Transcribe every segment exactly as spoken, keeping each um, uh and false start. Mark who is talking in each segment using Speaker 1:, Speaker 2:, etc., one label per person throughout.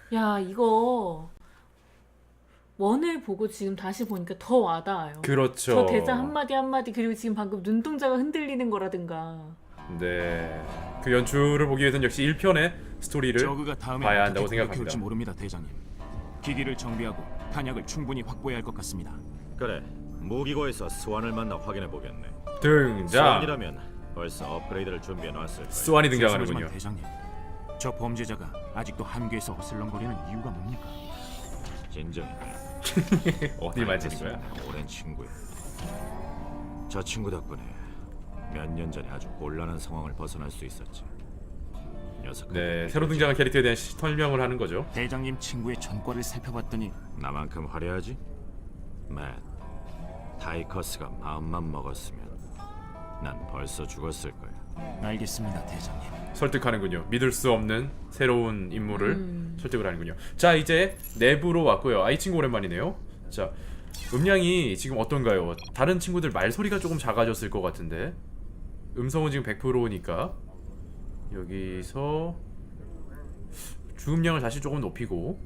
Speaker 1: 야, 이거 원을 보고 지금 다시 보니까 더 와닿아요.
Speaker 2: 그렇죠.
Speaker 1: 저 대사 한마디 한마디, 그리고 지금 방금 눈동자가 흔들리는 거라든가.
Speaker 2: 네. 그 연출을 보기 위해서는 역시 일 편의 스토리를
Speaker 3: 저그가 다음에
Speaker 2: 봐야
Speaker 3: 어떻게
Speaker 2: 한다고
Speaker 3: 공격해올지
Speaker 2: 생각합니다.
Speaker 3: 모릅니다, 대장님. 기기를 정비하고 탄약을 충분히 확보해야 할 것 같습니다.
Speaker 4: 그래, 무기고에서 스완을 만나 확인해 보겠네.
Speaker 2: 등장.
Speaker 4: 스완이라면 벌써 업그레이드를 준비해 놨을 거야.
Speaker 2: 스완이
Speaker 3: 죄송하지만
Speaker 2: 등장하는군요.
Speaker 3: 대장님, 저 범죄자가 아직도 함교에서 어슬렁거리는 이유가 뭡니까?
Speaker 4: 진정해.
Speaker 2: 어디 만지는 거야?
Speaker 4: 오랜 친구야. 저 친구 덕분에 몇 년 전에 아주 곤란한 상황을 벗어날 수 있었지. 녀석.
Speaker 2: 네, 새로 등장한 캐릭터에 대한 시- 설명을 하는 거죠.
Speaker 3: 대장님 친구의 전과를 살펴봤더니
Speaker 4: 나만큼 화려하지? 맷. 타이커스가 마음만 먹었으면 난 벌써 죽었을 거야.
Speaker 3: 알겠습니다, 대장님.
Speaker 2: 설득하는군요. 믿을 수 없는 새로운 인물을
Speaker 1: 음.
Speaker 2: 설득을 하는군요. 자, 이제 내부로 왔고요. 아, 이 친구 오랜만이네요. 자, 음량이 지금 어떤가요? 다른 친구들 말소리가 조금 작아졌을 것 같은데 음성은 지금 백 퍼센트니까 여기서 주음량을 다시 조금 높이고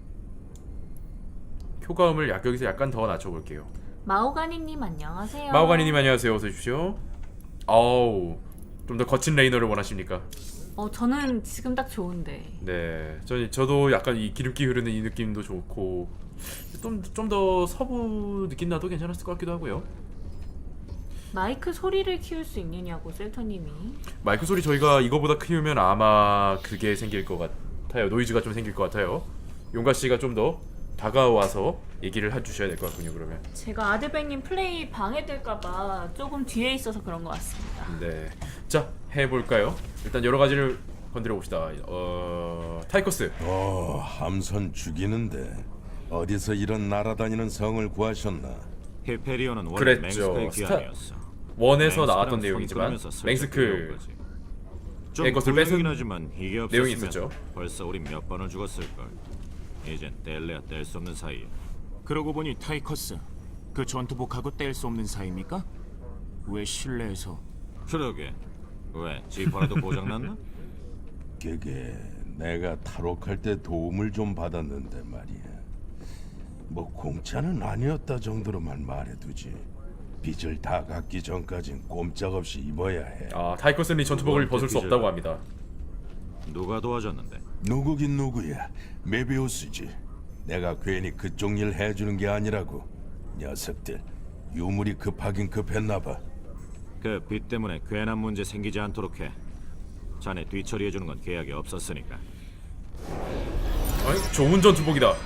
Speaker 2: 효과음을 약 여기서 약간 더 낮춰볼게요.
Speaker 1: 마오가니님 안녕하세요.
Speaker 2: 마오가니님 안녕하세요. 어서 오십시오. 어우, 좀 더 거친 레이너를 원하십니까?
Speaker 1: 어, 저는 지금 딱 좋은데.
Speaker 2: 네, 저, 저도 약간 이 기름기 흐르는 이 느낌도 좋고 좀 좀 더 서부 느낌 나도 괜찮았을 것 같기도 하고요.
Speaker 1: 마이크 소리를 키울 수 있느냐고 셀터님이.
Speaker 2: 마이크 소리 저희가 이거보다 키우면 아마 그게 생길 것 같아요. 노이즈가 좀 생길 것 같아요. 용가 씨가 좀 더 다가와서 얘기를 해주셔야 될 것 같군요. 그러면
Speaker 1: 제가 아드백님 플레이 방해될까봐 조금 뒤에 있어서 그런 것 같습니다.
Speaker 2: 네, 자 해볼까요? 일단 여러 가지를 건드려 봅시다. 어, 타이커스.
Speaker 5: 어, 함선 죽이는데 어디서 이런 날아다니는 성을 구하셨나?
Speaker 4: 히페리온은 원래
Speaker 2: 그랬죠.
Speaker 4: 맹스크의
Speaker 2: 스타-
Speaker 4: 귀환이었어.
Speaker 2: 원에서
Speaker 4: 맹스크랑
Speaker 2: 나왔던
Speaker 4: 손
Speaker 2: 내용이지만
Speaker 4: 끌으면서 슬쩍
Speaker 2: 맹스크
Speaker 4: 끌려온 거지. 좀
Speaker 2: 의 것을 뺏은
Speaker 4: 후회긴 하지만 이게 없었으면
Speaker 2: 내용이 있었죠.
Speaker 4: 벌써 우리 몇 번을 죽었을 걸. 이젠 뗄래야 뗄 수 없는 사이야.
Speaker 3: 그러고 보니 타이커스, 그 전투복하고 뗄 수 없는 사이입니까? 왜 실내에서
Speaker 4: 그러게. 왜? 지퍼라도 고장났나?
Speaker 5: 그게 내가 탈옥할 때 도움을 좀 받았는데 말이야. 뭐 공짜는 아니었다 정도로만 말해두지. 빚을 다 갚기 전까진 꼼짝없이 입어야 해.
Speaker 2: 아, 타이커스는 이 전투복을 벗을 수 없다고 합니다.
Speaker 4: 누가 도와줬는데?
Speaker 5: 누구긴 누구야. 메비우스지. 내가 괜히 그쪽 일 해주는 게 아니라고. 녀석들 유물이 급하긴 급했나봐.
Speaker 4: 그 빚 때문에 괜한 문제 생기지 않도록 해. 자네 뒤처리해주는 건 계약이 없었으니까.
Speaker 2: 아니, 좋은 전투복이다.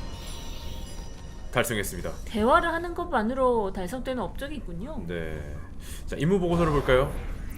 Speaker 2: 달성했습니다.
Speaker 1: 대화를 하는 것만으로 달성되는 업적이 있군요.
Speaker 2: 네. 자, 임무 보고서를 볼까요?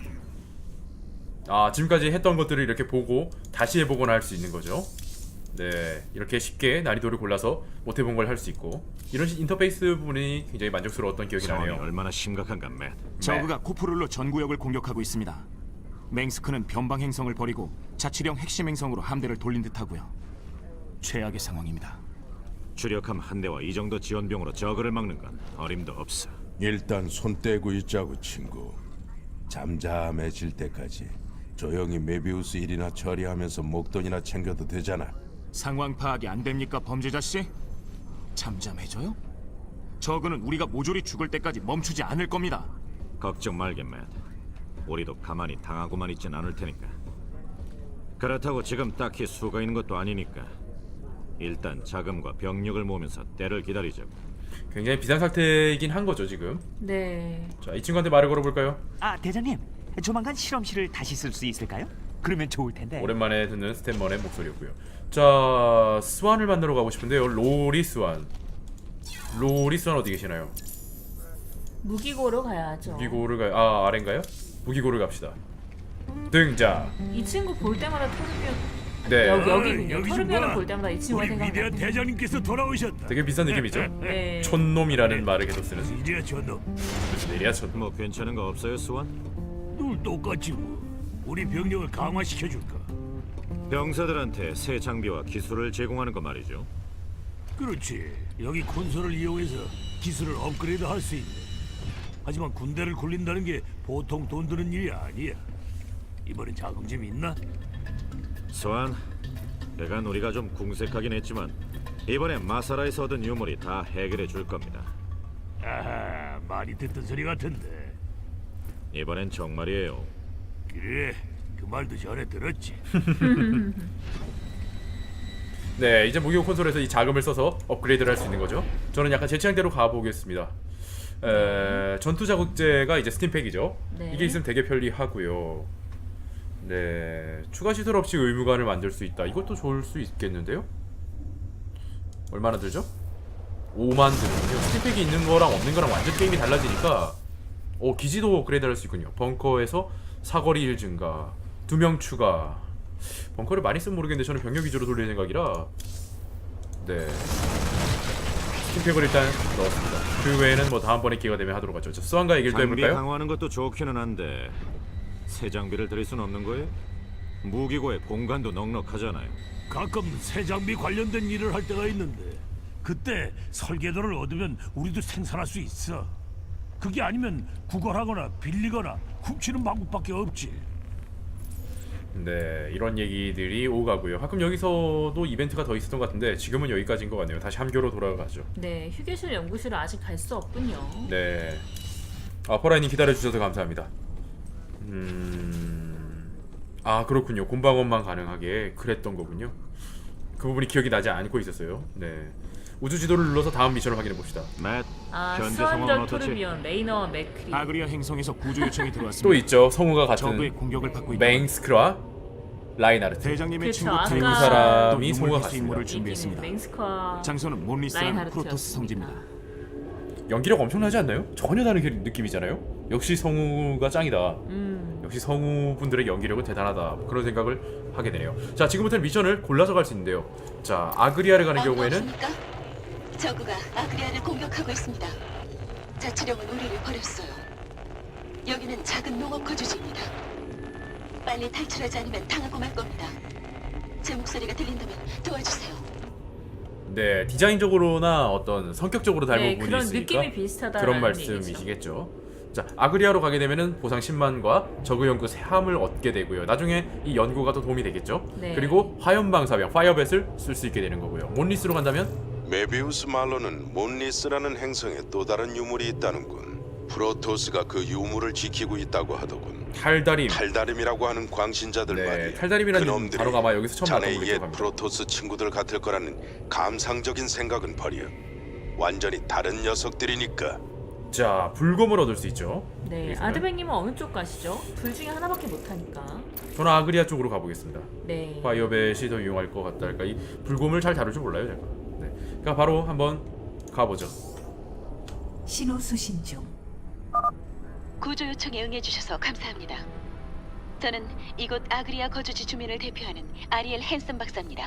Speaker 2: 아, 지금까지 했던 것들을 이렇게 보고 다시 해보거나 할 수 있는 거죠. 네, 이렇게 쉽게 난이도를 골라서 못 해본 걸 할 수 있고 이런 시- 인터페이스 부분이 굉장히 만족스러웠던 기억이
Speaker 4: 상황이
Speaker 2: 나네요.
Speaker 4: 얼마나 심각한가, 맷.
Speaker 3: 저그가 코프룰로 전구역을 공격하고 있습니다. 맹스크는 변방 행성을 버리고 자치령 핵심 행성으로 함대를 돌린 듯하고요. 최악의 상황입니다.
Speaker 4: 주력함 한 대와 이 정도 지원병으로 저그를 막는 건 어림도 없어.
Speaker 5: 일단 손 떼고 있자고 친구. 잠잠해질 때까지 조용히 메비우스 일이나 처리하면서 목돈이나 챙겨도 되잖아.
Speaker 3: 상황 파악이 안 됩니까, 범죄자 씨? 잠잠해져요? 저그는 우리가 모조리 죽을 때까지 멈추지 않을 겁니다.
Speaker 4: 걱정 말게, 맷. 우리도 가만히 당하고만 있진 않을 테니까. 그렇다고 지금 딱히 수가 있는 것도 아니니까 일단 자금과 병력을 모으면서 때를 기다리자고.
Speaker 2: 굉장히 비상상태이긴 한 거죠 지금.
Speaker 1: 네.
Speaker 2: 자, 이 친구한테 말을 걸어볼까요?
Speaker 6: 아, 대장님, 조만간 실험실을 다시 쓸 수 있을까요? 그러면 좋을 텐데.
Speaker 2: 오랜만에 듣는 스탠먼의 목소리였고요. 자, 스완을 만나러 가고 싶은데요. 로리 스완. 로리 스완 어디 계시나요?
Speaker 1: 무기고로 가야죠.
Speaker 2: 무기고를 가. 아, 아래인가요? 무기고를 갑시다. 등장.
Speaker 1: 이 친구 볼 때마다 토르비언.
Speaker 2: 네.
Speaker 1: 여기 여기군요.
Speaker 7: 여기 좀
Speaker 1: 토르비언을
Speaker 7: 봐.
Speaker 1: 볼 때마다 이 친구가
Speaker 7: 우리 위대한
Speaker 1: 생각나.
Speaker 7: 대장님께서 돌아오셨다.
Speaker 2: 되게 비싼 느낌이죠?
Speaker 1: 네.
Speaker 2: 촌놈이라는 말을 계속 쓰는.
Speaker 7: 이제야 저놈
Speaker 2: 내리야 촌놈.
Speaker 4: 뭐 괜찮은 거 없어요, 수완?
Speaker 7: 늘 똑같지 뭐. 우리 병력을 강화시켜줄까?
Speaker 4: 병사들한테 새 장비와 기술을 제공하는 거 말이죠.
Speaker 7: 그렇지. 여기 콘솔을 이용해서 기술을 업그레이드 할 수 있네. 하지만 군대를 굴린다는 게 보통 돈 드는 일이 아니야. 이번엔 자금 좀 있나?
Speaker 4: 수완, 그간 우리가 좀 궁색하긴 했지만 이번에 마사라에서 얻은 유물이 다 해결해 줄 겁니다.
Speaker 7: 아하, 많이 듣던 소리 같은데.
Speaker 4: 이번엔 정말이에요.
Speaker 7: 그래, 그 말도 전에 들었지.
Speaker 2: 네, 이제 무기고 콘솔에서 이 자금을 써서 업그레이드를 할 수 있는 거죠. 저는 약간 제 취향대로 가보겠습니다. 에, 전투 자극제가 이제 스팀팩이죠.
Speaker 1: 네.
Speaker 2: 이게 있으면 되게 편리하고요. 네, 추가 시설 없이 의무관을 만들 수 있다. 이것도 좋을 수 있겠는데요? 얼마나 들죠? 오만 들군요. 스팀팩이 있는 거랑 없는 거랑 완전 게임이 달라지니까 오, 기지도 업그레이드 할 수 있군요. 벙커에서 사거리 일 증가, 두 명 추가. 벙커를 많이 쓰면 모르겠는데 저는 병력 위주로 돌릴 생각이라 네, 스팀팩을 일단 넣었습니다. 그 외에는 뭐 다음번에 기회가 되면 하도록 하죠. 자, 수완과 얘기를 또
Speaker 4: 장비
Speaker 2: 해볼까요?
Speaker 4: 강화하는 것도 좋기는 한데 새 장비를 들일 순 없는 거예요? 무기고의 공간도 넉넉하잖아요.
Speaker 7: 가끔 새 장비 관련된 일을 할 때가 있는데 그때 설계도를 얻으면 우리도 생산할 수 있어. 그게 아니면 구걸하거나 빌리거나 훔치는 방법밖에 없지.
Speaker 2: 네, 이런 얘기들이 오가고요. 가끔 여기서도 이벤트가 더 있었던 것 같은데 지금은 여기까지인 것 같네요. 다시 함교로 돌아가죠.
Speaker 1: 네, 휴게실 연구실을 아직 갈 수 없군요.
Speaker 2: 네, 아, 퍼라이님 기다려주셔서 감사합니다. 음... 아, 그렇군요. 곰방원만 가능하게 그랬던 거군요. 그 부분이 기억이 나지 않고 있었어요. 네, 우주 지도를 눌러서 다음 미션을 확인해 봅시다.
Speaker 4: 맷,
Speaker 1: 아,
Speaker 4: 현재 상황은
Speaker 1: 스완절
Speaker 4: 어떻지?
Speaker 1: 토르비온, 레이너와 맥크리.
Speaker 3: 아그리아 행성에서 구조 요청이
Speaker 2: 또
Speaker 3: 들어왔습니다.
Speaker 2: 있죠. 성우가
Speaker 3: 적의
Speaker 2: 같은
Speaker 3: 공격을 받고 있다.
Speaker 2: 맹스크와 라인하르트.
Speaker 3: 대장님의
Speaker 1: 그쵸,
Speaker 3: 친구
Speaker 1: 아까
Speaker 3: 트레이스
Speaker 2: 두 사람이
Speaker 3: 또
Speaker 2: 성우가
Speaker 3: 유물
Speaker 2: 같습니다.
Speaker 3: 인물을
Speaker 1: 이기는
Speaker 3: 준비했습니다.
Speaker 1: 맹스커와
Speaker 3: 장소는 몬리스라는
Speaker 1: 라인하르트였습니다.
Speaker 3: 프로토스 성지입니다.
Speaker 2: 연기력 엄청나지 않나요? 전혀 다른 게- 느낌이잖아요. 역시 성우가 짱이다.
Speaker 1: 음,
Speaker 2: 역시 성우분들의 연기력은 대단하다. 그런 생각을 하게 되네요. 자, 지금부터는 미션을 골라서 갈 수 있는데요. 자, 아그리아를 가는 경우에는
Speaker 8: 반갑습니까? 저그가 아그리아를 공격하고 있습니다. 자치령은 우리를 버렸어요. 여기는 작은 농업 거주지입니다. 빨리 탈출하지 않으면 당하고 말 겁니다. 제 목소리가 들린다면 도와주세요.
Speaker 2: 네, 디자인적으로나 어떤 성격적으로 닮은
Speaker 1: 네,
Speaker 2: 부분이
Speaker 1: 그런
Speaker 2: 있으니까
Speaker 1: 느낌이 비슷하다라는
Speaker 2: 그런 말씀이시겠죠. 자, 아그리아로 가게 되면은 보상 십만과 저그 연구 세함을 얻게 되고요. 나중에 이 연구가 더 도움이 되겠죠.
Speaker 1: 네.
Speaker 2: 그리고 화염방사병 파이어벳을 쓸 수 있게 되는 거고요. 몬리스로 간다면
Speaker 5: 메비우스 말로는 몬리스라는 행성에 또 다른 유물이 있다는군. 프로토스가 그 유물을 지키고 있다고 하더군.
Speaker 2: 탈다림.
Speaker 5: 탈다림이라고 하는 광신자들
Speaker 2: 네,
Speaker 5: 말이야.
Speaker 2: 탈다림이라는
Speaker 5: 그놈들이
Speaker 2: 단어가 아마 여기서 처음 나왔던
Speaker 5: 자네
Speaker 2: 걸로
Speaker 5: 옛
Speaker 2: 기억합니다.
Speaker 5: 프로토스 친구들 같을 거라는 감상적인 생각은 버려. 완전히 다른 녀석들이니까.
Speaker 2: 자, 불검을 얻을 수 있죠.
Speaker 1: 네,
Speaker 2: 여기서는.
Speaker 1: 아드백님은 어느 쪽 가시죠? 둘 중에 하나밖에 못하니까.
Speaker 2: 저는 아그리아 쪽으로 가보겠습니다.
Speaker 1: 네.
Speaker 2: 파이어벳이 더 유용할 것 같다 할까. 이 불곰을 잘 다룰 줄 몰라요, 제가. 네, 그러니까 바로 한번 가보죠.
Speaker 9: 신호 수신 중.
Speaker 8: 구조 요청에 응해주셔서 감사합니다. 저는 이곳 아그리아 거주지 주민을 대표하는 아리엘 헨슨 박사입니다.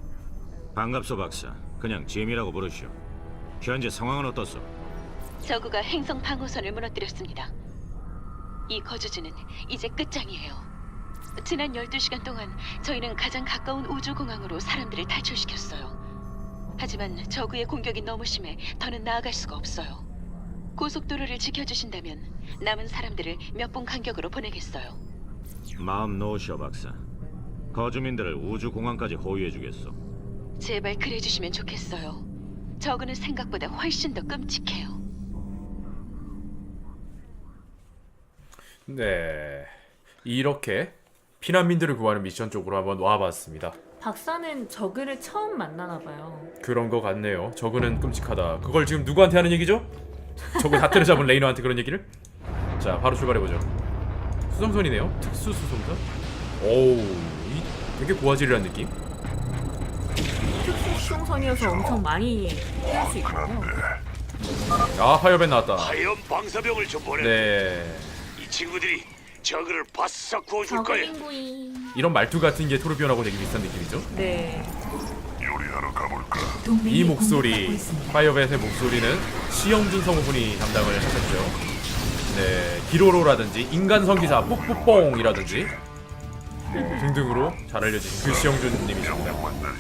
Speaker 4: 반갑소 박사. 그냥 짐이라고 부르시오. 현재 상황은 어떻소?
Speaker 8: 저그가 행성 방어선을 무너뜨렸습니다. 이 거주지는 이제 끝장이에요. 지난 열두 시간 동안 저희는 가장 가까운 우주공항으로 사람들을 탈출시켰어요. 하지만 저그의 공격이 너무 심해 더는 나아갈 수가 없어요. 고속도로를 지켜주신다면 남은 사람들을 몇 분 간격으로 보내겠어요.
Speaker 4: 마음 놓으시오 박사. 거주민들을 우주공항까지 호위해주겠소.
Speaker 8: 제발 그래주시면 좋겠어요. 저그는 생각보다 훨씬 더 끔찍해요.
Speaker 2: 네, 이렇게 피난민들을 구하는 미션 쪽으로 한번 와봤습니다.
Speaker 1: 박사는 저그를 처음 만나나 봐요.
Speaker 2: 그런 거 같네요. 저그는 끔찍하다. 그걸 지금 누구한테 하는 얘기죠? 저그 다트를 잡은 레이너한테 그런 얘기를? 자, 바로 출발해보죠. 수송선이네요. 특수 수송선. 오우, 이 되게 고화질이라는 느낌.
Speaker 1: 특수 수송선이어서 엄청 많이 태울 수 있군요.
Speaker 2: 아, 파이어밴 나왔다.
Speaker 7: 하염 방사병을 좀 보내.
Speaker 2: 네,
Speaker 7: 이 친구들이 저그를 바싹 구워줄
Speaker 1: 저그
Speaker 7: 거야.
Speaker 1: 인구이.
Speaker 2: 이런 말투 같은 게 토르비온하고 되게 비슷한 느낌이죠.
Speaker 1: 네.
Speaker 2: 이 목소리, 파이어벳의 목소리는 시영준 성우분이 담당을 하셨죠. 네, 기로로라든지 인간 성기사 뽁뽁뽕이라든지 뭐 등등으로 잘 알려진 그 시영준님이십니다.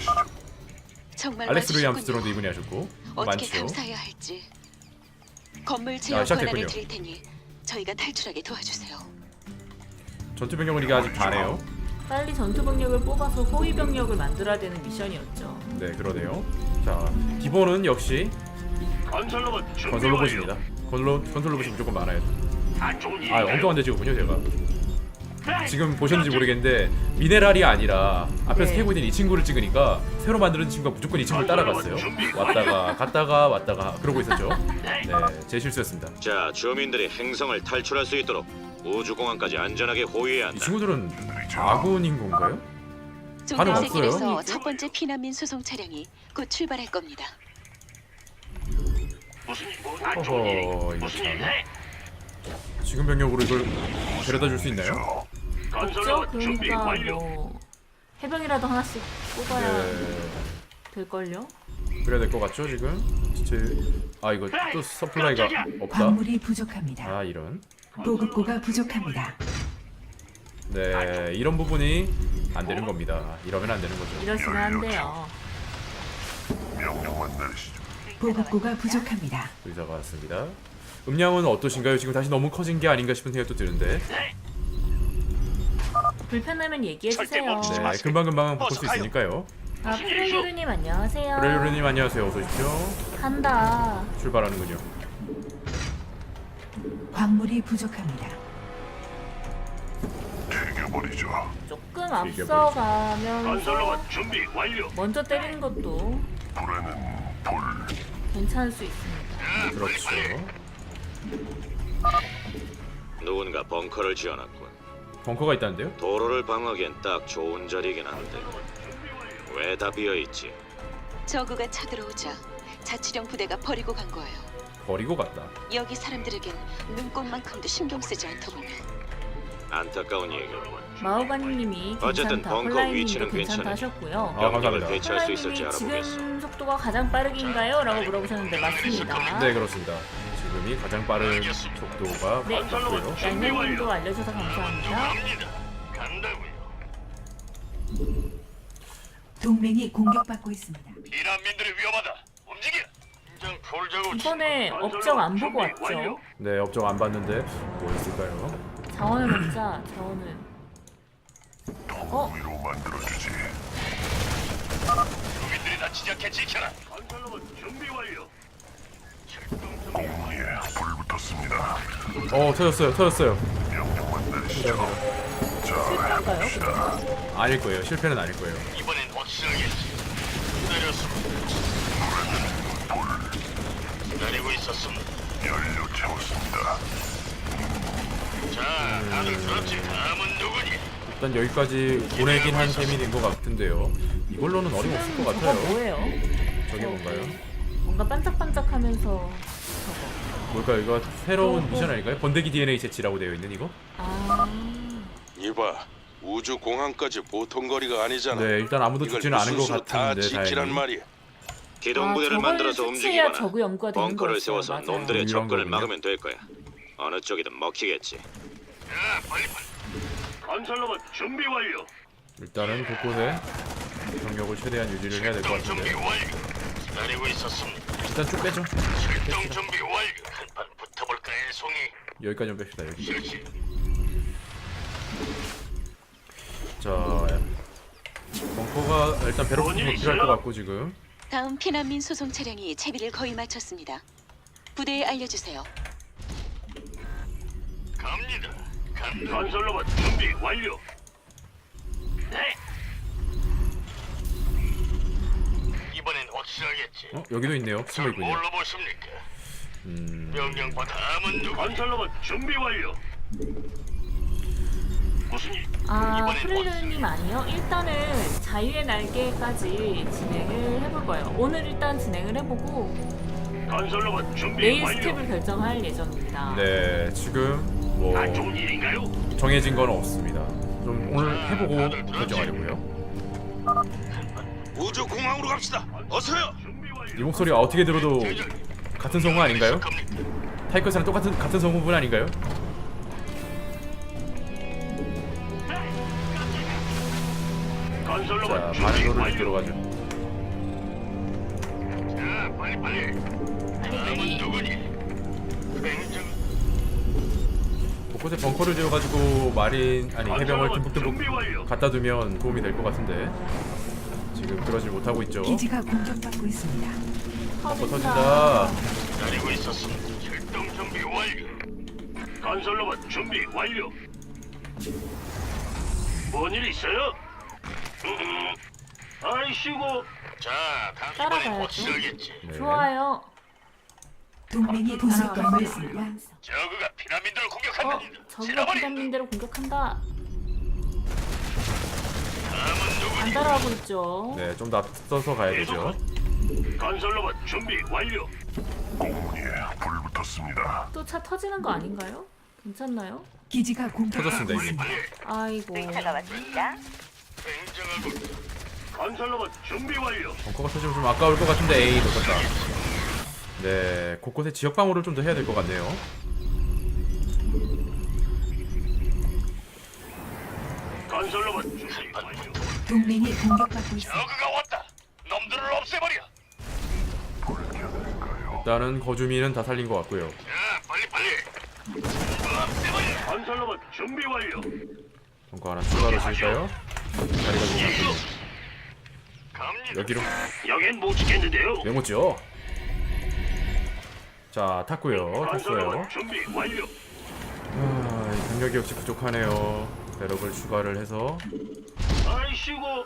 Speaker 8: 정말
Speaker 2: 알렉스 루이
Speaker 8: 와주셨군요.
Speaker 2: 암스트롱도 이분이 하셨고
Speaker 8: 어떻게
Speaker 2: 많죠.
Speaker 8: 감사해야 할지. 건물 제어
Speaker 2: 시작됐군요.
Speaker 8: 권한을 드릴 테니 저희가 탈출하게 도와주세요.
Speaker 2: 전투 병력은 이게 아직 다네요.
Speaker 1: 빨리 전투 병력을 뽑아서 호위 병력을 만들어야 되는 미션이었죠.
Speaker 2: 네, 그러네요. 자, 기본은 역시
Speaker 7: 건설로봇 준비
Speaker 2: 건설
Speaker 7: 완료.
Speaker 2: 로봇입니다. 건설 건설 로봇이 무조건 많아요.
Speaker 7: 안 좋은
Speaker 2: 아,
Speaker 7: 일인가요?
Speaker 2: 엉뚱한 데 찍었군요, 제가. 지금 보셨는지 모르겠는데 미네랄이 아니라 앞에서
Speaker 1: 네.
Speaker 2: 태우고 있는 이 친구를 찍으니까 새로 만드는 친구가 무조건 이 친구를 따라갔어요. 왔다가 갔다가 왔다가 그러고 있었죠. 네, 제 실수였습니다.
Speaker 4: 자, 주민들이 행성을 탈출할 수 있도록 우주공항까지 안전하게 호위해야
Speaker 2: 이
Speaker 4: 한다.
Speaker 2: 친구들은 아군인 건가요? 반응 없어요?
Speaker 8: 종달새길에서 첫 번째 피난민 수송 차량이 곧 출발할 겁니다.
Speaker 7: 무슨 뭐안 좋은 일이
Speaker 2: 허허, 이거
Speaker 7: 무슨
Speaker 2: 참.
Speaker 7: 일 해?
Speaker 2: 지금 병력으로 이걸 데려다 줄 수 있나요?
Speaker 1: 없죠?
Speaker 7: 건설로봇 준비
Speaker 1: 그러니까
Speaker 7: 완료.
Speaker 1: 뭐 해병이라도 하나씩 뽑아야
Speaker 2: 네,
Speaker 1: 될걸요?
Speaker 2: 그래야 될 것 같죠 지금? 제... 아 이거 또 서플라이가 없다?
Speaker 9: 광물이 부족합니다.
Speaker 2: 아 이런.
Speaker 9: 보급고가 부족합니다.
Speaker 2: 네, 이런 부분이 안 되는 겁니다. 이러면 안 되는 거죠.
Speaker 1: 이러시면 안 돼요.
Speaker 9: 보급고가 부족합니다.
Speaker 2: 의사가 왔습니다. 음량은 어떠신가요? 지금 다시 너무 커진 게 아닌가 싶은 생각도 드는데.
Speaker 1: 불편하면 얘기해주세요.
Speaker 2: 네, 금방금방 바꿀 수 있으니까요.
Speaker 1: 아, 프레유르님 안녕하세요.
Speaker 2: 브레이로님 안녕하세요. 어서 오십시오.
Speaker 1: 간다.
Speaker 2: 출발하는군요.
Speaker 9: 광물이 부족합니다.
Speaker 1: 조금 앞서가면서
Speaker 7: 건설로봇 준비 완료.
Speaker 1: 먼저 때리는 것도 괜찮을 수 있습니다.
Speaker 2: 그렇죠.
Speaker 4: 누군가 벙커를 지어놨군.
Speaker 2: 벙커가 있다는데요?
Speaker 4: 도로를 방어하기엔 딱 좋은 자리이긴 한데 왜 다 비어있지?
Speaker 8: 저그가 쳐들어오자 자치령 부대가 버리고 간 거예요.
Speaker 2: 버리고 갔다.
Speaker 8: 여기 사람들에겐 눈꽃만큼도 신경 쓰지 않더군요.
Speaker 4: 안타까운 얘기.
Speaker 1: 마오가님이
Speaker 4: 어쨌든
Speaker 1: 괜찮다.
Speaker 4: 벙커
Speaker 1: 홀라이님도
Speaker 4: 위치는
Speaker 1: 괜찮다
Speaker 4: 괜찮아.
Speaker 1: 하셨고요.
Speaker 2: 아,
Speaker 4: 병력을
Speaker 2: 감사합니다.
Speaker 4: 대체할 수 있을지
Speaker 1: 홀라이님이
Speaker 4: 알아보겠어.
Speaker 1: 지금 속도가 가장 빠르긴가요? 라고 물어보셨는데 맞습니다.
Speaker 2: 네, 그렇습니다. 지금이 가장 빠른 속도가
Speaker 1: 네.
Speaker 2: 맞고요.
Speaker 1: 양념님도 알려줘서 감사합니다.
Speaker 7: 간다고요.
Speaker 9: 동맹이 공격받고 있습니다.
Speaker 7: 피난민들이 위험하다. 움직여. 인장 풀자고.
Speaker 1: 이번에 업적 안 보고 왔죠?
Speaker 2: 네, 업적 안 봤는데 뭐 있을까요?
Speaker 1: 자원을 먹자. 자원을. 어?
Speaker 7: 주민들이 다치지 않게 지켜라. 건설로봇 준비 완료.
Speaker 2: 어, 터졌어요. 터졌어요.
Speaker 1: 실패인가요?
Speaker 2: 아닐 거예요. 실패는 아닐 거예요.
Speaker 7: 이번엔 확실하겠지. 기다렸습니다. 기다리고 있었습니다. 연료 채웠습니다. 자, 다들 들었지? 다음은 누구니?
Speaker 2: 일단 여기까지 보내긴 한 셈이 된 것 같은데요. 이걸로는 어림없을 것
Speaker 1: 저거
Speaker 2: 같아요.
Speaker 1: 뭐예요?
Speaker 2: 저게 뭔가요?
Speaker 1: 뭔가 반짝반짝하면서 저거.
Speaker 2: 뭘까요? 이거 새로운
Speaker 1: 어, 어.
Speaker 2: 미션 아닐까요? 번데기 디엔에이 채취라고 되어 있는 이거?
Speaker 1: 아.
Speaker 5: 이봐, 우주 공항까지 보통 거리가 아니잖아.
Speaker 2: 네, 일단 아무도
Speaker 5: 이걸
Speaker 2: 죽지는 않은 것
Speaker 5: 무슨 수로 다
Speaker 2: 같은데
Speaker 5: 지키란
Speaker 2: 다행히.
Speaker 5: 말이야.
Speaker 4: 기동
Speaker 1: 아,
Speaker 4: 부대를
Speaker 1: 저걸
Speaker 4: 만들어서
Speaker 1: 채취해야
Speaker 4: 움직이거나
Speaker 1: 저그 연구가 되는
Speaker 4: 벙커를
Speaker 1: 거였어요.
Speaker 4: 세워서
Speaker 1: 맞아요.
Speaker 4: 놈들의
Speaker 2: 음,
Speaker 4: 접근을
Speaker 2: 이런
Speaker 4: 막으면 될 거야. 어느 쪽이든 먹히겠지.
Speaker 7: 자, 빨리 빨리. 건설로봇 준비 완료.
Speaker 2: 일단은 곳곳에 병력을 최대한 유지를 해야 될 것
Speaker 7: 출동 준비
Speaker 2: 같은데
Speaker 7: 완료. 기다리고 있었습니다.
Speaker 2: 일단 쭉 빼죠.
Speaker 7: 출동 준비 완료. 한판 붙어볼까, 애송이.
Speaker 2: 여기까지 좀 뺍시다. 여기.
Speaker 7: 실시.
Speaker 2: 자, 벙커가 일단 배로 부수가 필요할 것 같고 지금.
Speaker 8: 다음 피난민 수송 차량이 채비를 거의 마쳤습니다. 부대에 알려주세요.
Speaker 7: 갑니다. 간 건설로봇 준비 완료. 네. 이번엔 확실하겠지.
Speaker 2: 어? 여기도 있네요. 숨어 있군요.
Speaker 7: 뭘로 보십니까?
Speaker 2: 음,
Speaker 7: 명령 받아. 다음은 누구? 건설로봇 준비 완료. 무슨 일?
Speaker 1: 아,
Speaker 7: 이번엔
Speaker 1: 프릴루님 아니요? 일단은 자유의 날개까지 진행을 해볼 거예요. 오늘 일단 진행을 해보고
Speaker 7: 건설로봇 준비
Speaker 1: 내일
Speaker 7: 완료.
Speaker 1: 스텝을 결정할 예정입니다.
Speaker 2: 네, 지금 뭐
Speaker 7: 안 좋은 일인가요?
Speaker 2: 정해진 건 없습니다. 좀 오늘 해보고 결정하려고요.
Speaker 5: 우주 공항으로 갑시다. 어서요.
Speaker 7: 준비 완료.
Speaker 2: 이 목소리가 어떻게 들어도 같은 성우 아닌가요?
Speaker 7: 시작합니다.
Speaker 2: 타이커스랑 똑같은 같은 성우분 아닌가요? 자,
Speaker 7: 건설로봇 준비
Speaker 2: 반응도를
Speaker 7: 완료.
Speaker 2: 들어가죠.
Speaker 7: 자, 빨리 빨리.
Speaker 1: 빨리
Speaker 7: 다음은
Speaker 1: 빨리.
Speaker 7: 누구니? 행정
Speaker 2: 곳곳에 곳곳에 벙커를 지어가지고 마린 아니 해병을
Speaker 7: 준비
Speaker 2: 듬뿍듬뿍
Speaker 7: 완료.
Speaker 2: 갖다 두면 도움이 될 것 같은데 지금 그러질 못하고 있죠.
Speaker 9: 기지가 공격받고 있습니다.
Speaker 2: 벙커 터진다.
Speaker 7: 기다리고 있었습니다. 출동 준비 완료. 건설로봇 준비 완료. 뭔일 있어요? 음, 아이씨고. 자,
Speaker 1: 따라가야죠.
Speaker 2: 네.
Speaker 1: 좋아요.
Speaker 9: 동맹이 부속 건물 완성.
Speaker 7: 저그가 피라민들을
Speaker 1: 어,
Speaker 7: 공격한답니다.
Speaker 1: 저기가 피담민대로 공격한다. 안 따라가고 있죠.
Speaker 2: 네, 좀 더 앞서서 가야 되죠.
Speaker 7: 건설로봇 준비 완료.
Speaker 1: 또 차 터지는 거 아닌가요? 괜찮나요?
Speaker 9: 기지가 공격받고
Speaker 2: 터졌습니다, 이미.
Speaker 9: 있습니다.
Speaker 1: 아이고.
Speaker 7: 굉장하고. 건설로봇 준비 완료.
Speaker 2: 벙커가 터지면 좀 아까울 것 같은데 에이 놓쳤다. 네, 곳곳에 지역 방어를 좀 더 해야 될 것 같네요.
Speaker 7: 건설로봇 준비 완료.
Speaker 9: 동맹이 공격받고 있습니다.
Speaker 7: 저그가 왔다. 놈들을 없애버려.
Speaker 2: 일단은 거주민은 다 살린 것 같고요.
Speaker 7: 자, 빨리 빨리. 없애버려. 건설로봇 준비 완료.
Speaker 2: 벙커 하나 추가로 지을까요? 자리가 좀
Speaker 7: 갑니다.
Speaker 2: 여기로
Speaker 7: 여긴 못 지켰는데요.
Speaker 2: 메모죠. 자, 탔고요. 탔어요.
Speaker 7: 건설로봇 준비 완료.
Speaker 2: 아, 이 병력이 역시 부족하네요. 배럭을 추가를 해서
Speaker 7: 아이씨고.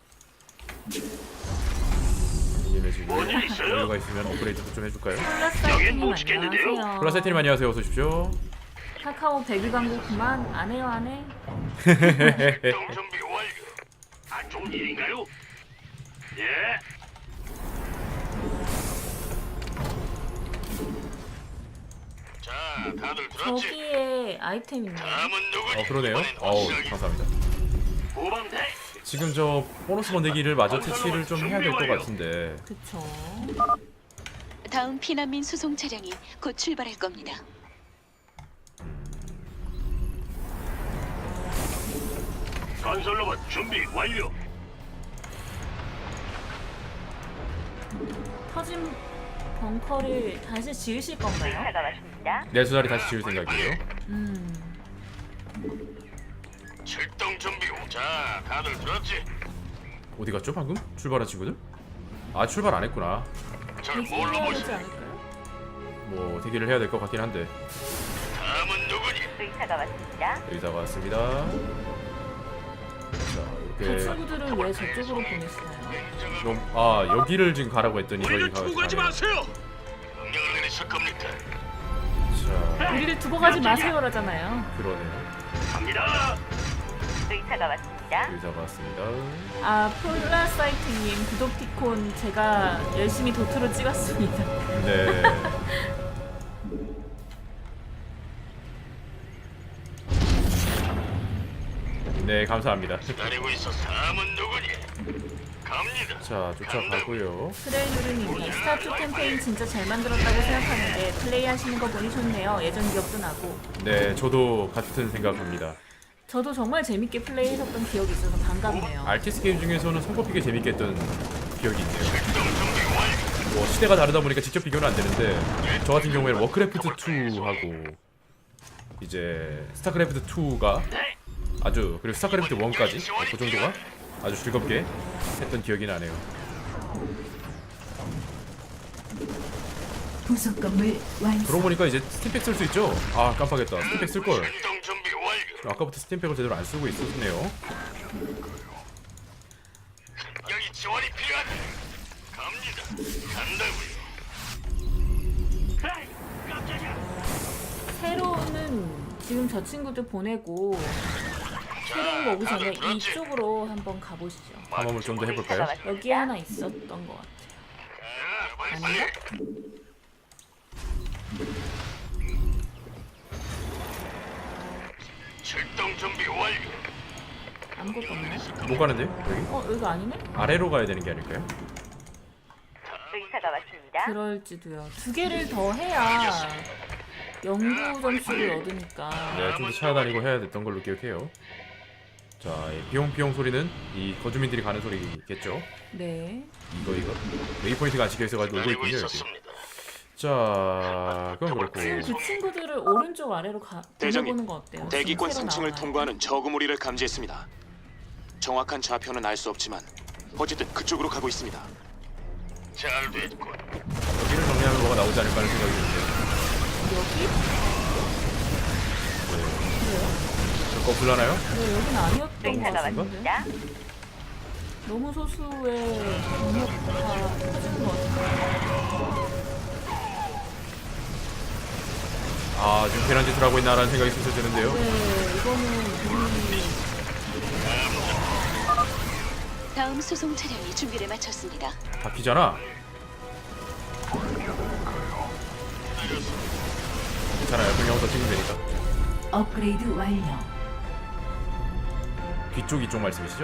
Speaker 2: 이게 지금
Speaker 7: 뭔일 있어요?
Speaker 2: 여유가 있으면 업그레이드도 좀 해줄까요?
Speaker 1: 플라사이트님
Speaker 7: 못 지켰는데요?
Speaker 1: 안녕하세요.
Speaker 2: 플라세티님 안녕하세요. 어서 오십시오.
Speaker 1: 카카오 백일 광고 그만 안 해요 안 해.
Speaker 7: 출동 준비 완료. 안 좋은 일인가요? 예. 자, 다들 들었지?
Speaker 1: 저기에 아이템 있네요.
Speaker 7: 다음은 누구니?
Speaker 2: 어, 그러네요.
Speaker 7: 이번엔
Speaker 2: 어우,
Speaker 7: 확실하게.
Speaker 2: 감사합니다.
Speaker 7: 후방대.
Speaker 2: 지금 저 보너스 번데기를 마저 채취를 좀 해야 될 것 같은데
Speaker 1: 그쵸.
Speaker 8: 다음 피난민 수송 차량이 곧 출발할 겁니다.
Speaker 7: 건설로봇 준비 완료.
Speaker 1: 터진 벙커를 다시 지으실 건가요?
Speaker 2: 네 수자리 다시 지을 생각이에요.
Speaker 1: 음.
Speaker 7: 출동 준비. 자, 다들 들었지?
Speaker 2: 어디 갔죠 방금? 출발한 친구들? 아, 출발 안 했구나.
Speaker 7: 절 뭘로
Speaker 1: 대기해야 되지
Speaker 7: 보시나요?
Speaker 1: 않을까요?
Speaker 2: 뭐 대기를 해야 될 것 같긴 한데.
Speaker 7: 다음은 누구니?
Speaker 8: 의사가 왔습니다.
Speaker 2: 의사가 왔습니다. 자,
Speaker 1: 그
Speaker 2: 이렇게
Speaker 1: 친구들은 왜 저쪽으로 보내시나요?
Speaker 2: 좀, 아, 여기를 지금 가라고 했더니 저기
Speaker 7: 우리를
Speaker 2: 가.
Speaker 7: 두고 가지
Speaker 2: 가네요.
Speaker 7: 마세요. 명령을 내리실 겁니까?
Speaker 2: 자,
Speaker 1: 우리를 두고 가지 마세요라잖아요.
Speaker 2: 그러네요.
Speaker 7: 갑니다.
Speaker 8: 의사가 왔습니다.
Speaker 2: 의사가 왔습니다.
Speaker 1: 아, 폴라사이트님 구독티콘 제가 열심히 도트로 찍었습니다.
Speaker 2: 네. 네, 감사합니다.
Speaker 7: 기다리고 있어. 다음은 누구니? 갑니다.
Speaker 2: 자, 쫓아가고요.
Speaker 1: 트레이누르님이 스타투 캠페인 진짜 잘 만들었다고 생각하는데 플레이 하시는 거 보니 좋네요. 예전 기억도 나고.
Speaker 2: 네, 저도 같은 생각합니다.
Speaker 1: 저도 정말 재밌게 플레이했었던 기억이 있어서 반갑네요.
Speaker 2: 알티스 게임 중에서는 손꼽히게 재밌게 했던 기억이 있네요. 뭐 시대가 다르다 보니까 직접 비교는 안 되는데 저 같은 경우에는 워크래프트 투하고 이제 스타크래프트 투가 아주, 그리고 스타크래프트 원까지 그 정도가 아주 즐겁게 했던 기억이 나네요.
Speaker 9: 부속 건물 완성.
Speaker 2: 그러고 보니까 이제 스팀팩 쓸 수 있죠? 아, 깜빡했다. 스팀팩 쓸걸.
Speaker 7: 출동 준비 완료.
Speaker 2: 아까부터 스팀팩을 제대로 안 쓰고 있었네요.
Speaker 7: 여기 지원이 필요하다. 갑니다. 간다고요. 에이, 깜짝이야.
Speaker 1: 새로운은 지금 저 친구들 보내고 새로운 거 오기 전에 이쪽으로 한번 가보시죠.
Speaker 2: 탐험을 좀 더 해볼까요?
Speaker 1: 여기 하나 있었던 것 같아요.
Speaker 7: 자, 빨리
Speaker 1: 아닌가?
Speaker 7: 빨리. 출동 준비 완료.
Speaker 1: 아무것도 없나요?
Speaker 2: 못 가는데요? 여기?
Speaker 1: 어, 여기가 아니네?
Speaker 2: 아래로 가야 되는 게 아닐까요?
Speaker 8: 의사가 왔습니다.
Speaker 1: 그럴지도요. 두 개를 더 해야 연구 점수를 얻으니까.
Speaker 2: 네, 좀 더 찾아다니고 해야 됐던 걸로 기억해요. 자, 이 비용비용 소리는 이 거주민들이 가는 소리겠죠?
Speaker 1: 네.
Speaker 2: 이거 이거 웨이포인트가 안 찍혀 있어가지고 울고
Speaker 7: 기다리고
Speaker 2: 있군요. 여기.
Speaker 7: 있었습니다.
Speaker 2: 자, 그건 그렇고.
Speaker 1: 지금 그 친구들을 오른쪽 아래로 가
Speaker 3: 대장님,
Speaker 1: 돌려보는 거 어때요?
Speaker 3: 대기권
Speaker 1: 지금 새로
Speaker 3: 삼 층을
Speaker 1: 나와요.
Speaker 3: 통과하는 저그 무리를 감지했습니다. 정확한 좌표는 알 수 없지만 어쨌든 그쪽으로 가고 있습니다.
Speaker 2: 여기를 정리하면 뭐가 나오지 않을까 하는 생각이 드는데.
Speaker 1: 여기?
Speaker 2: 저거 불나나요?
Speaker 1: 네, 여긴 아니었던 것 같은데.
Speaker 2: 같습니다.
Speaker 1: 너무 소수의 경력파 터진 것 같은데.
Speaker 2: 아, 지금 괜한 짓을 하고 있나라는 생각이 슬슬 드는데요.
Speaker 1: 네, 이거는 우리
Speaker 8: 다음 수송 차량이 준비를 마쳤습니다.
Speaker 2: 바뀌잖아. 괜찮아요. 그냥 더 찍으면 되니까.
Speaker 9: 업그레이드 완료.
Speaker 2: 뒤쪽 이쪽 말씀이시죠?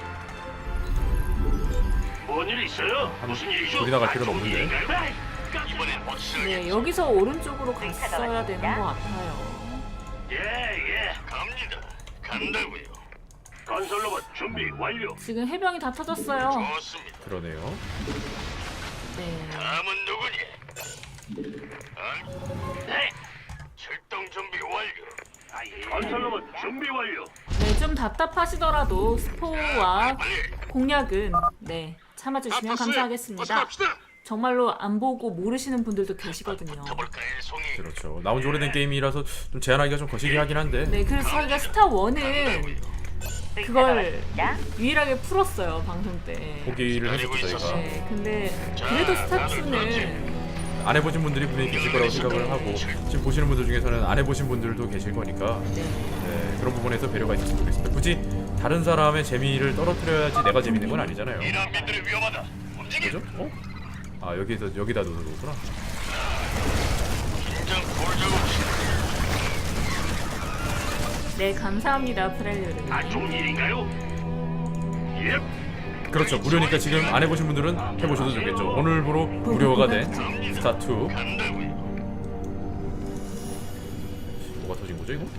Speaker 7: 뭔일 있어요? 무슨 일이죠?
Speaker 2: 둘이 나갈 필요는 없는데.
Speaker 7: 이번엔 확실하게.
Speaker 1: 네, 여기서 오른쪽으로 갔어야 되는 것 같아요.
Speaker 7: 예, 예. 갑니다. 간다고요. 건설 로봇 준비 완료.
Speaker 1: 지금 해병이 다 터졌어요.
Speaker 7: 좋습니다.
Speaker 2: 그러네요.
Speaker 1: 네.
Speaker 7: 다음은 누구니? 어? 네. 출동 준비 완료. 건설 로봇 준비 완료.
Speaker 1: 네, 좀 답답하시더라도 스포와 공략은 네 참아주시면 감사하겠습니다. 정말로 안 보고 모르시는 분들도 계시거든요.
Speaker 2: 그렇죠. 나온 지 오래된 게임이라서 좀 제한하기가 좀 거시기 하긴 한데.
Speaker 1: 네, 그래서 저희가 스타 원은 그걸 유일하게 풀었어요 방송 때.
Speaker 2: 포기를 했었죠 저희가.
Speaker 1: 네, 근데 그래도 스타 투는
Speaker 2: 안 해보신 분들이 분명히 계실 거라고 생각을 하고 지금 보시는 분들 중에서는 안 해보신 분들도 계실 거니까 네, 그런 부분에서 배려가 있었으면 좋겠습니다. 굳이 다른 사람의 재미를 떨어뜨려야지 내가 재밌는 건 아니잖아요. 그죠? 어? 아 여기서 여기다 놓는 거구나.
Speaker 1: 네, 감사합니다 프렐류를.
Speaker 7: 안 좋은 일인가요? 예.
Speaker 2: 그렇죠. 무료니까 지금 안 해보신 분들은 해보셔도 좋겠죠. 오늘부로 무료가 된 스타 투. 뭐가 터진 거죠 이거?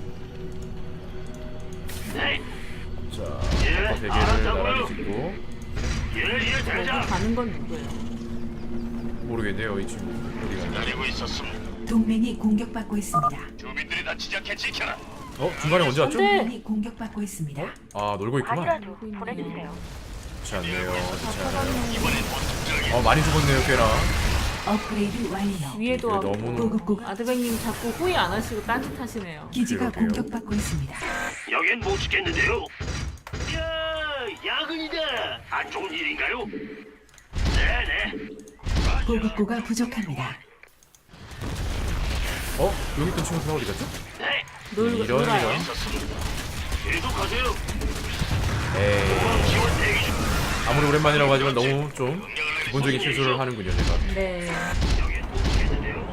Speaker 7: 네.
Speaker 2: 자, 아까 세 개를 나란히 짓고
Speaker 7: 예, 예,
Speaker 1: 여기
Speaker 7: 대장.
Speaker 1: 가는 건 누구예요?
Speaker 2: 모르겠네요 이 친구 어디 갔나?
Speaker 7: 기다리고 있었습니다.
Speaker 9: 동맹이 공격받고 있습니다.
Speaker 7: 주민들이 다치지 않게 지켜라.
Speaker 2: 어? 중간에 언제 왔죠?
Speaker 1: 네.
Speaker 9: 동맹이 공격받고 있습니다.
Speaker 2: 아 놀고 있구만.
Speaker 1: 보내주세요.
Speaker 2: 좋지 않네요. 좋지 않아요.
Speaker 7: 이번엔 본격적인.
Speaker 2: 어 많이 죽었네요 꽤나.
Speaker 9: 업그레이드 완료.
Speaker 1: 위에도
Speaker 2: 이게 너무
Speaker 9: 보급고
Speaker 1: 아드백님 자꾸 호의 안 하시고 딴짓하시네요.
Speaker 9: 기지가
Speaker 2: 그러게요.
Speaker 9: 공격받고 있습니다.
Speaker 7: 여긴 못 지켰는데요. 야, 야근이다. 안 좋은 일인가요? 네네.
Speaker 9: 보급고가 부족합니다.
Speaker 2: 어? 여기 있던 친구가 어디 갔죠?
Speaker 7: 네.
Speaker 1: 놀,
Speaker 2: 이런
Speaker 1: 놀아요.
Speaker 2: 이런.
Speaker 7: 계속하세요.
Speaker 2: 에이
Speaker 7: 지원 대기 중.
Speaker 2: 아무리 오랜만이라고 하지만 너무 좀 기본적인 실수를 하는군요 제가.
Speaker 1: 네.
Speaker 7: 여긴 못 지켰는데요.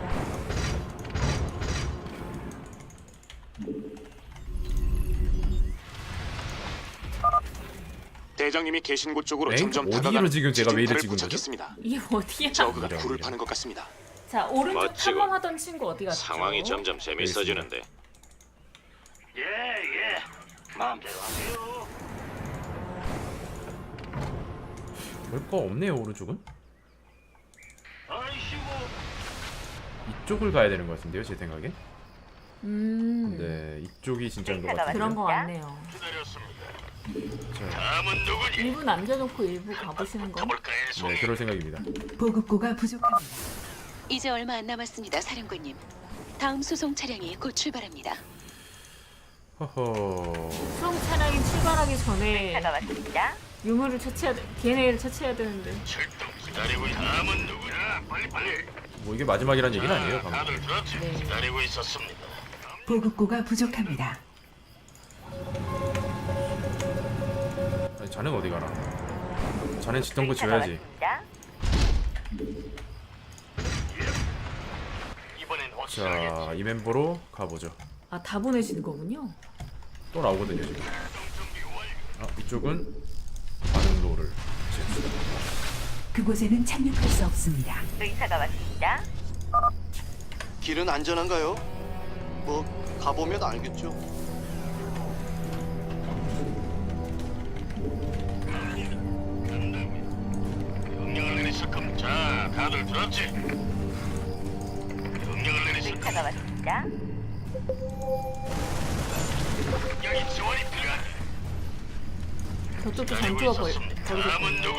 Speaker 3: 대장님이 계신 곳 쪽으로
Speaker 2: 엥?
Speaker 3: 점점
Speaker 2: 어디로
Speaker 3: 다가가는
Speaker 2: 지금 제가 왜 이래
Speaker 3: 지진파를
Speaker 2: 찍은 거죠?
Speaker 3: 포착했습니다.
Speaker 1: 이게 어디야?
Speaker 3: 저그가
Speaker 2: 이런,
Speaker 3: 굴을
Speaker 2: 이런.
Speaker 3: 파는 것 같습니다.
Speaker 1: 자, 오른쪽
Speaker 4: 멋지고.
Speaker 1: 탐험하던 친구 어디 갔죠?
Speaker 4: 상황이 점점 재밌어지는데.
Speaker 7: 예, 예. 마음대로 하세요.
Speaker 2: 별거 없네요 오른쪽은.
Speaker 7: 아이씨고.
Speaker 2: 이쪽을 가야 되는 것 같은데요 제 생각엔.
Speaker 1: 음.
Speaker 2: 네 이쪽이 진짜인 것 같아요.
Speaker 1: 그런 거 같네요.
Speaker 7: 기다렸습니다.
Speaker 2: 자,
Speaker 7: 다음은 누구니?
Speaker 1: 일부 남겨놓고 일부 가보시는 거.
Speaker 7: 가볼까요, 송이?
Speaker 2: 네 그럴 생각입니다.
Speaker 9: 보급고가 부족합니다.
Speaker 8: 이제 얼마 안 남았습니다, 사령관님. 다음 수송 차량이 곧 출발합니다.
Speaker 2: 허허.
Speaker 1: 수송 차량이 출발하기 전에 유물을 처치해야 돼. 디엔에이를 처치해야 되는데.
Speaker 7: 출동 기다리고 있- 다음은 누구야? 빨리 빨리.
Speaker 2: 뭐 이게 마지막이란 얘기는 아니에요
Speaker 7: 자,
Speaker 2: 방금.
Speaker 7: 다들 들었지?
Speaker 1: 네.
Speaker 7: 기다리고 있었습니다.
Speaker 9: 보급고가 부족합니다.
Speaker 2: 아니, 자넨 어디 가나? 자넨 짓던 거 지어야지.
Speaker 7: 이번엔 확실하게.
Speaker 2: 자, 이 멤버로 가보죠.
Speaker 1: 아, 다 보내시는 거군요.
Speaker 2: 또 나오거든요 지금. 아, 이쪽은 반응로를 지었습니다.
Speaker 9: 그곳에는 착륙할 수 없습니다.
Speaker 10: 길은 안전한가요? 뭐 가보면 알겠죠.
Speaker 7: 명령을 내리실 겁니다. 자, 다들 들었지?
Speaker 8: 의사가 왔습니다.
Speaker 1: 저쪽도 전투가 벌, 벌어졌군요.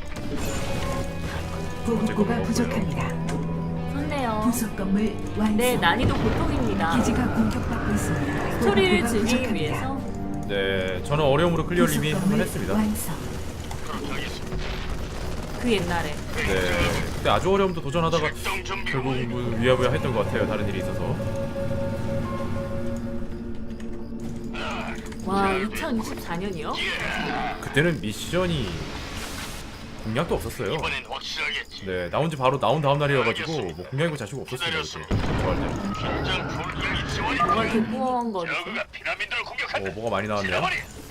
Speaker 9: 보급고가 부족합니다.
Speaker 1: 좋네요.
Speaker 9: 부속 건물 완성.
Speaker 1: 네, 난이도 보통입니다.
Speaker 9: 기지가 공격받고 있습니다.
Speaker 1: 스토리를
Speaker 9: 보급고가
Speaker 1: 즐기기
Speaker 9: 부족합니다.
Speaker 1: 위해서
Speaker 2: 네, 저는 어려움으로 클리어를 이미
Speaker 9: 부속
Speaker 2: 한 번
Speaker 9: 건물
Speaker 2: 했습니다.
Speaker 9: 완성.
Speaker 1: 그 옛날에
Speaker 2: 네, 그때 아주 어려움도 도전하다가 결국 뭐 위야부야 했던 것 같아요. 다른 일이 있어서.
Speaker 1: 와 이천이십사 년이요?
Speaker 2: 그때는 미션이 공략도 없었어요. 네, 나온지 바로 나온 다음 날이어가지고 뭐 공략이고 자시고 없었습니다. 그때 저 할 때는.
Speaker 1: 뭐가 이렇게 꾸엉 거리지?
Speaker 2: 어, 뭐가 많이 나왔네요.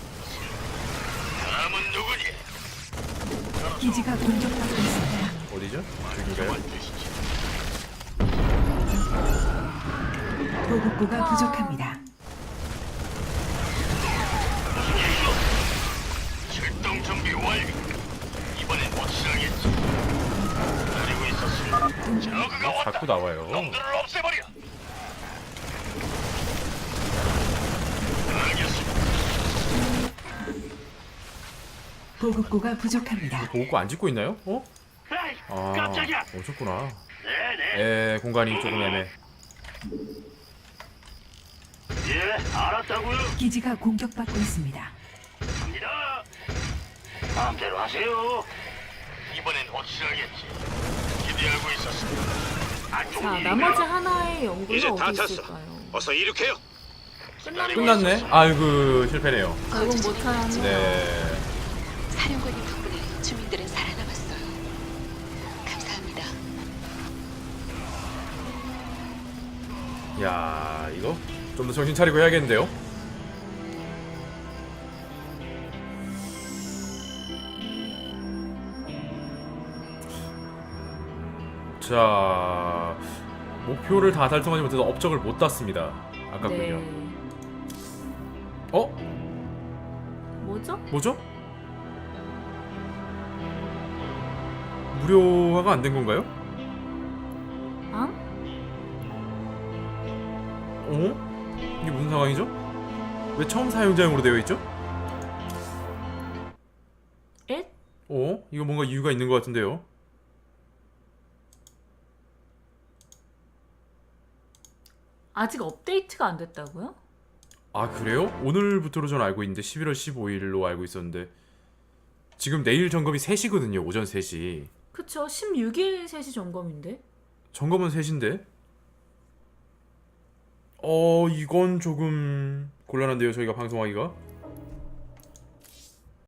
Speaker 9: 기지가 공격받고 있습니다.
Speaker 2: 어디죠? 여기인가요?
Speaker 9: 보급고가 부족합니다.
Speaker 7: 출동 준비 완료. 이번엔 확실하겠지. 기다리고 있었습니다. 저그가 왔다.
Speaker 2: 자꾸 나와요.
Speaker 7: 놈들을 없애버려. 알겠습니다.
Speaker 9: 보급고가 부족합니다.
Speaker 2: 보급고 안 짓고 있나요? 어?
Speaker 7: 에이,
Speaker 2: 아,
Speaker 7: 깜짝이야.
Speaker 2: 오셨구나.
Speaker 7: 네네.
Speaker 2: 에, 공간이 조금 애매.
Speaker 7: 예, 알았다고요.
Speaker 9: 기지가 공격받고 있습니다.
Speaker 7: 갑니다. 마음대로 하세요. 이번엔 확실하겠지. 기대하고 있었습니다. 안 좋은
Speaker 1: 자
Speaker 7: 일인가요?
Speaker 1: 나머지 하나의 연구가
Speaker 4: 이제 다
Speaker 1: 어디
Speaker 4: 찼어.
Speaker 1: 있을까요?
Speaker 4: 어서 이륙해요.
Speaker 2: 끝났네? 아이고, 실패네요.
Speaker 1: 결국 못 찾았네요.
Speaker 2: 네.
Speaker 8: 사령관님 덕분에 주민들은 살아남았어요. 감사합니다.
Speaker 2: 야, 이거 좀 더 정신 차리고 해야겠는데요? 자, 목표를 다 달성하지 못해서 업적을 못 땄습니다. 아깝군요.
Speaker 1: 네.
Speaker 2: 어?
Speaker 1: 뭐죠?
Speaker 2: 뭐죠? 무료화가 안 된 건가요?
Speaker 1: 아?
Speaker 2: 어? 이게 무슨 상황이죠? 왜 처음 사용자용으로 되어 있죠?
Speaker 1: 에?
Speaker 2: 어? 이거 뭔가 이유가 있는 것 같은데요?
Speaker 1: 아직 업데이트가 안 됐다고요?
Speaker 2: 아 그래요? 오늘부터로 전 알고 있는데 십일월 십오일로 알고 있었는데 지금 내일 점검이 세 시거든요. 오전 세 시.
Speaker 1: 그쵸 십육 일 세 시 점검인데
Speaker 2: 점검은 세 시인데 어 이건 조금 곤란한데요. 저희가 방송하기가